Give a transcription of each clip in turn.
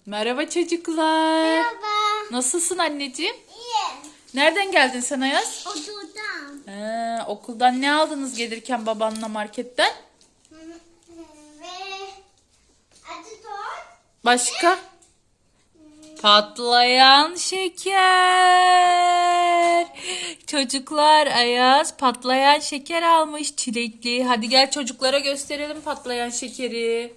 Merhaba çocuklar. Merhaba. Nasılsın anneciğim? İyi. Nereden geldin sen Ayaz? Okuldan. Okuldan ne aldınız gelirken babanla marketten? Ve acı tort. Başka? Patlayan şeker. Çocuklar Ayaz patlayan şeker almış çilekli. Hadi gel çocuklara gösterelim patlayan şekeri.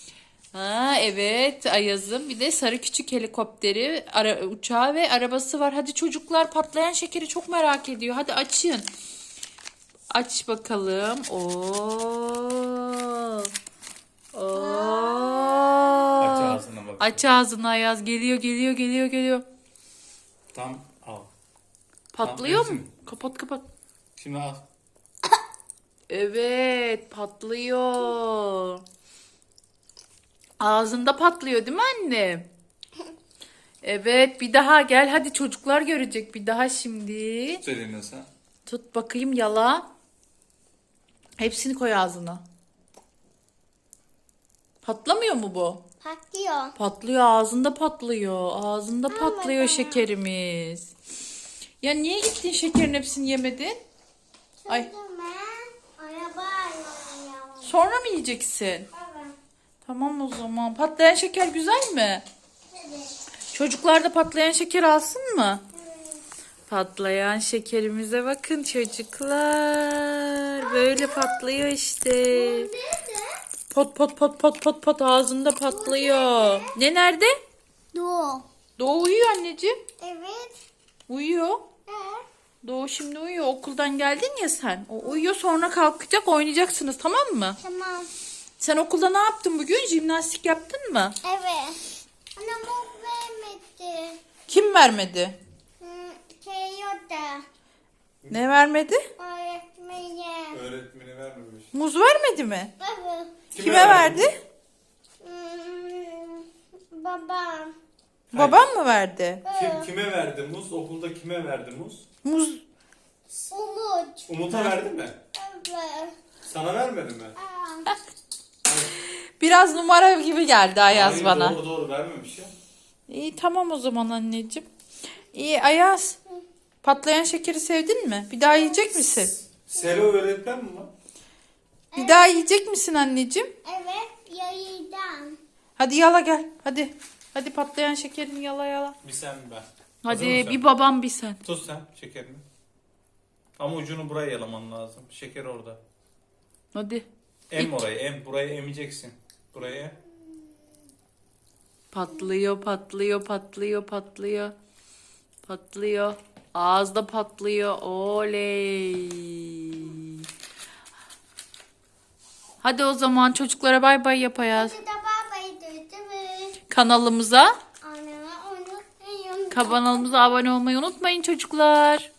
Evet Ayaz'ın bir de sarı küçük helikopteri, uçağı ve arabası var. Hadi çocuklar patlayan şekeri çok merak ediyor. Hadi açın. Aç bakalım. Aç ağzına bak. Aç ağzını Ayaz. Geliyor. Tam al. Patlıyor Tamam, mu? Kapat. Şimdi al. Evet patlıyor. Ağzında patlıyor değil mi anne? Evet bir daha gel. Hadi çocuklar görecek bir daha şimdi. Tut elini sen. Tut bakayım yala. Hepsini koy ağzına. Patlamıyor mu bu? Patlıyor. Patlıyor ağzında patlıyor. Ağzında patlıyor şekerimiz. Ya niye gittin şekerin hepsini yemedin? Ay Şimdi ben araba alıyorum. sonra mı yiyeceksin? Evet. Tamam o zaman. Patlayan şeker güzel mi? Evet. Çocuklar da patlayan şeker alsın mı? Patlayan şekerimize bakın çocuklar. Böyle patlıyor işte. Nerede? Pot ağzında patlıyor. Ne nerede? Doğu. Doğu uyuyor anneciğim. Evet. Uyuyor. Doğu şimdi uyuyor. Okuldan geldin ya sen. O uyuyor sonra kalkacak oynayacaksınız tamam mı? Tamam. Sen okulda ne yaptın bugün? Jimnastik yaptın mı? Evet. Anne bu vermedi. Kim vermedi? Yoda. Ne vermedi? Öğretmeni. Öğretmeni vermemiş. Muz vermedi mi? Evet. Kime verdi? Babam. Babam mı verdi? Kime verdi muz? Okulda kime verdi muz? Muz. Umut. Umut'a verdi mi? Evet. Sana vermedi mi? Biraz numara gibi geldi Ayaz Hayır, bana. Doğru vermemiş ya. İyi tamam o zaman anneciğim. İyi Ayaz. Patlayan şekeri sevdin mi? Bir daha yiyecek misin? Selo öğretmen mi lan? Bir daha yiyecek misin anneciğim? Evet. Yayıdan. Hadi yala gel. Hadi. Hadi patlayan şekerini yala. Bir sen bir ben. Hazır Hadi mısın? bir babam bir sen. Tut sen şekerini. Ama ucunu buraya yalaman lazım. Şeker orada. Hadi. Em orayı em. Burayı emeceksin. Buraya em. Patlıyor. Ağızda patlıyor. Oley. Hadi o zaman çocuklara bay bay yap Ayaz. Hadi de babayı duydu. Kanalımıza Anneme unutmayın. abone olmayı unutmayın çocuklar.